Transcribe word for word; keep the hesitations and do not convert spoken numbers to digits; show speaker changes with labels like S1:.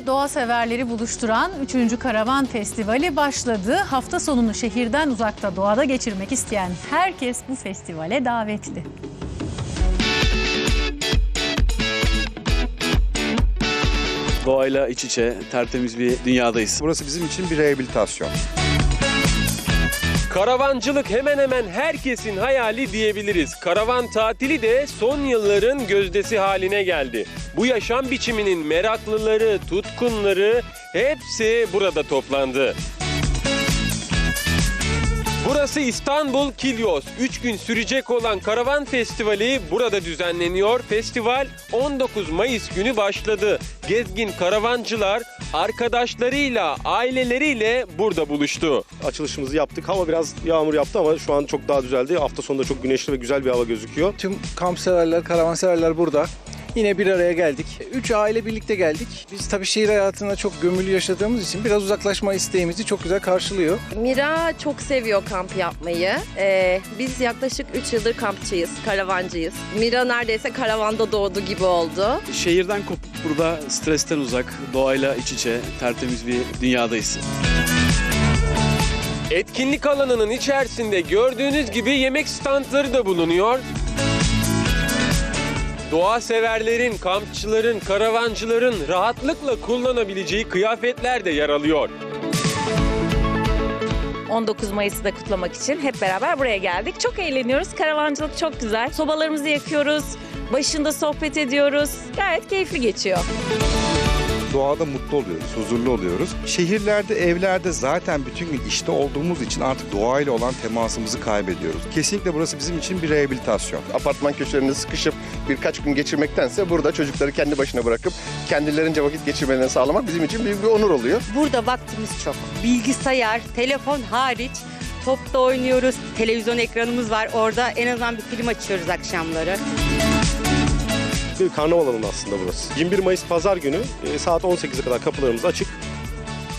S1: doğa severleri buluşturan üçüncü Karavan Festivali başladı. Hafta sonunu şehirden uzakta doğada geçirmek isteyen herkes bu festivale davetli.
S2: Doğayla iç içe, tertemiz bir dünyadayız.
S3: Burası bizim için bir rehabilitasyon.
S4: Karavancılık hemen hemen herkesin hayali diyebiliriz. Karavan tatili de son yılların gözdesi haline geldi. Bu yaşam biçiminin meraklıları, tutkunları hepsi burada toplandı. Burası İstanbul Kilyos. üç gün sürecek olan Karavan Festivali burada düzenleniyor. Festival on dokuz Mayıs günü başladı. Gezgin karavancılar arkadaşlarıyla, aileleriyle burada buluştu.
S5: Açılışımızı yaptık. Hava biraz yağmur yaptı ama şu an çok daha düzeldi. Hafta sonunda çok güneşli ve güzel bir hava gözüküyor.
S6: Tüm kamp severler, karavan severler burada. Yine bir araya geldik. Üç aile birlikte geldik. Biz tabii şehir hayatına çok gömülü yaşadığımız için biraz uzaklaşma isteğimizi çok güzel karşılıyor.
S7: Mira çok seviyor kamp yapmayı. Ee, biz yaklaşık üç yıldır kampçıyız, karavancıyız. Mira neredeyse karavanda doğdu gibi oldu.
S2: Şehirden kopup burada stresten uzak, doğayla iç içe, tertemiz bir dünyadayız.
S4: Etkinlik alanının içerisinde gördüğünüz gibi yemek standları da bulunuyor. Doğa severlerin, kampçıların, karavancıların rahatlıkla kullanabileceği kıyafetler de yer alıyor.
S8: on dokuz Mayıs'ı da kutlamak için hep beraber buraya geldik. Çok eğleniyoruz. Karavancılık çok güzel. Sobalarımızı yakıyoruz. Başında sohbet ediyoruz. Gayet keyifli geçiyor.
S3: Doğada mutlu oluyoruz, huzurlu oluyoruz. Şehirlerde, evlerde zaten bütün gün işte olduğumuz için artık doğayla olan temasımızı kaybediyoruz. Kesinlikle burası bizim için bir rehabilitasyon.
S9: Apartman köşelerinde sıkışıp birkaç gün geçirmektense burada çocukları kendi başına bırakıp kendilerince vakit geçirmelerini sağlamak bizim için büyük bir onur oluyor.
S10: Burada vaktimiz çok. Bilgisayar, telefon hariç topta oynuyoruz. Televizyon ekranımız var. Orada en azından bir film açıyoruz akşamları.
S5: Bir karnaval alanı aslında burası. yirmi bir Mayıs Pazar günü saat on sekize kadar kapılarımız açık.